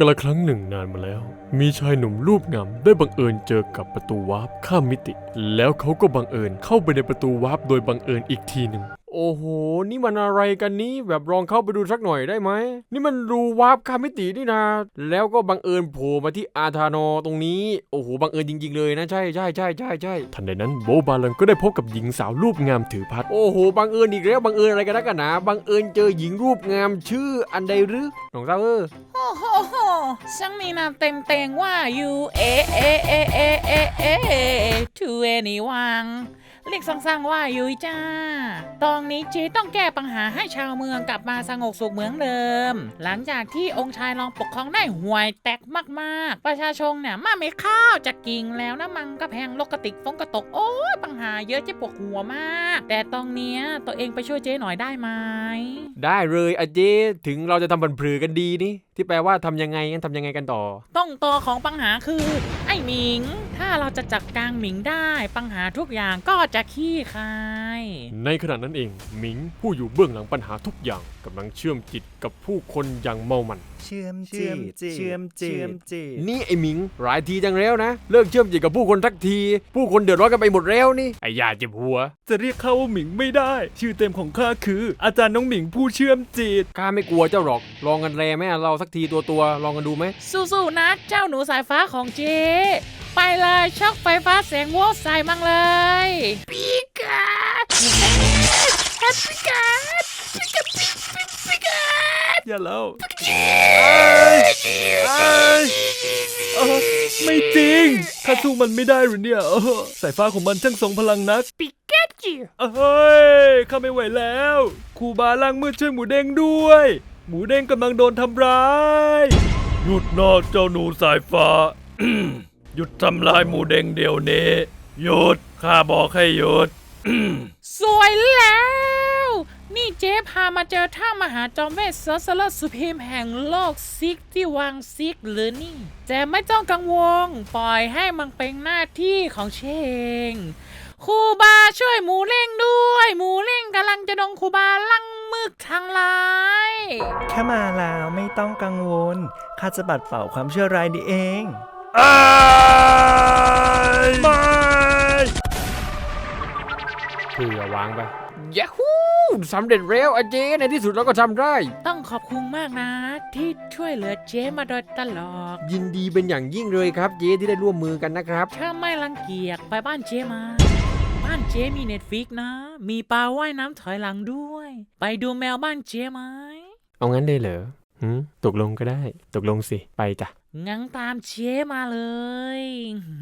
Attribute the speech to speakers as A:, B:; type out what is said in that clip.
A: กละครั้งหนึ่งนานมาแล้วมีชายหนุ่มรูปงามได้บังเอิญเจอกับประตูวาร์ปข้ามมิติแล้วเขาก็บังเอิญเข้าไปในประตูวาร์ปโดยบังเอิญอีกทีหนึ่งโอ้โหนี่มันอะไรกันนี้แบบลองเข้าไปดูสักหน่อยได้ไหมนี่มันรูวาร์ปข้ามมิตินี่นะแล้วก็บังเอิญโผล่มาที่อาธานอตรงนี้โอ้โหบังเอิญจริงๆเลยนะใช่ทันใดนั้นโบบาลันก็ได้พบกับหญิงสาวรูปงามถือพัดโอ้โหบังเอิญอีกแล้วบังเอิญอะไรกันนักกันหนาบังเอิญเจอหญิงรูปงามชื่ออันใดหรือน้องสาว
B: โอ้โหช่างมีนามเต็งว่า U A A A A A A to anyone เรียกสั้นๆว่ายุ้ยจ้าตอนนี้เจ๊ต้องแก้ปัญหาให้ชาวเมืองกลับมาสงบสุขเหมือนเดิมหลังจากที่องค์ชายรองปกครองได้ห่วยแตกมากๆประชาชนเนี่ยมาไม่ข้าวจะกิ่งแล้วนะมังก็แพงลกกระติกฟงกระตกโอ้ยปัญหาเยอะเจ๊ปวดหัวมากแต่ตอนเนี้ยตัวเองไปช่วยเจ๊หน่อยได้ไหม
A: ได้เลยอาเจถึงเราจะทำบันพลือกันดีนี่ที่แปลว่าทำยังไงกันกันต่อ
B: ต้องต่อของปัญหาคือไอ้หมิงถ้าเราจะจัดการหมิงได้ปัญหาทุกอย่างก็จะขี้คาย
A: ในขณะนั้นเองหมิงผู้อยู่เบื้องหลังปัญหาทุกอย่างกำลังเชื่อมจิตกับผู้คนอย่างเมามัน
C: เชื่อมจิต
A: นี่ไอ้หมิงหลายทีจังแล้วนะเลิกเชื่อมจิตกับผู้คนทักทีผู้คนเดือดร้อนกันไปหมดแล้วนี่ไอ้ยาเจ็บหัว
C: จะเรียกข้าว่าหมิงไม่ได้ชื่อเต็มของข้าคืออาจารย์น้องหมิงผู้เชื่อมจิต
A: ข้าไม่กลัวเจ้าหรอกลองกันแรไหมเราสักทีตัวลองกันดูไหม
B: สู้ๆนะเจ้าหนูสายฟ้าของเจ๊ไปเลยช็อกไฟฟ้าแสงโวลต์ใส่มังเลยปีกา
C: อย่าเล่าไม่จริงข้าสู้มันไม่ได้หรือเนี่ยสายฟ้าของมันช่างทรงพลังนัก
B: ปิกาจู
C: เฮ้ยข้าไม่ไหวแล้วครูบาล่างมืดช่วยหมูเด้งด้วยหมูเด้งกำลังโดนทำร้ายหยุดนะเจ้าหนูสายฟ้า หยุดทำลายหมูเด้งเดี๋ยวนี้หยุดข้าบอกให้หยุด
B: สวยแล้วนี่เจ๊พามาเจอท่ามหาจอมเวทซอสเลอร์สุพรีมแห่งโลกซิกที่วางซิกหรือนี่แต่ไม่ต้องกังวลปล่อยให้มันเป็นหน้าที่ของเชงครูบาช่วยหมูเล่งด้วยหมูเล่งกำลังจะโดนครูบาลังมึกทางร้าย
C: แค่มาแล้วไม่ต้องกังวลข้าจะปัดเป่าความชั่วร้ายนี้เองไม่
A: เผื่อวางไปยาฮูสำเร็จแล้วอาเจในที่สุดเราก็ทำได้
B: ต้องขอบคุณมากนะที่ช่วยเหลือเจ๊มาโดยตลอด
A: ยินดีเป็นอย่างยิ่งเลยครับเจที่ได้ร่วมมือกันนะครับ
B: ถ้าไม่รังเกียจไปบ้านเจ๊มาบ้านเจ๊มีเน็ตฟิกนะมีปลาว่ายน้ำถอยหลังด้วยไปดูแมวบ้านเจ๊ไหม
A: เอางั้นได้เหรอตกลงก็ได้ตกลงสิไปจ้ะ
B: งั้นตามเจ๊มาเลย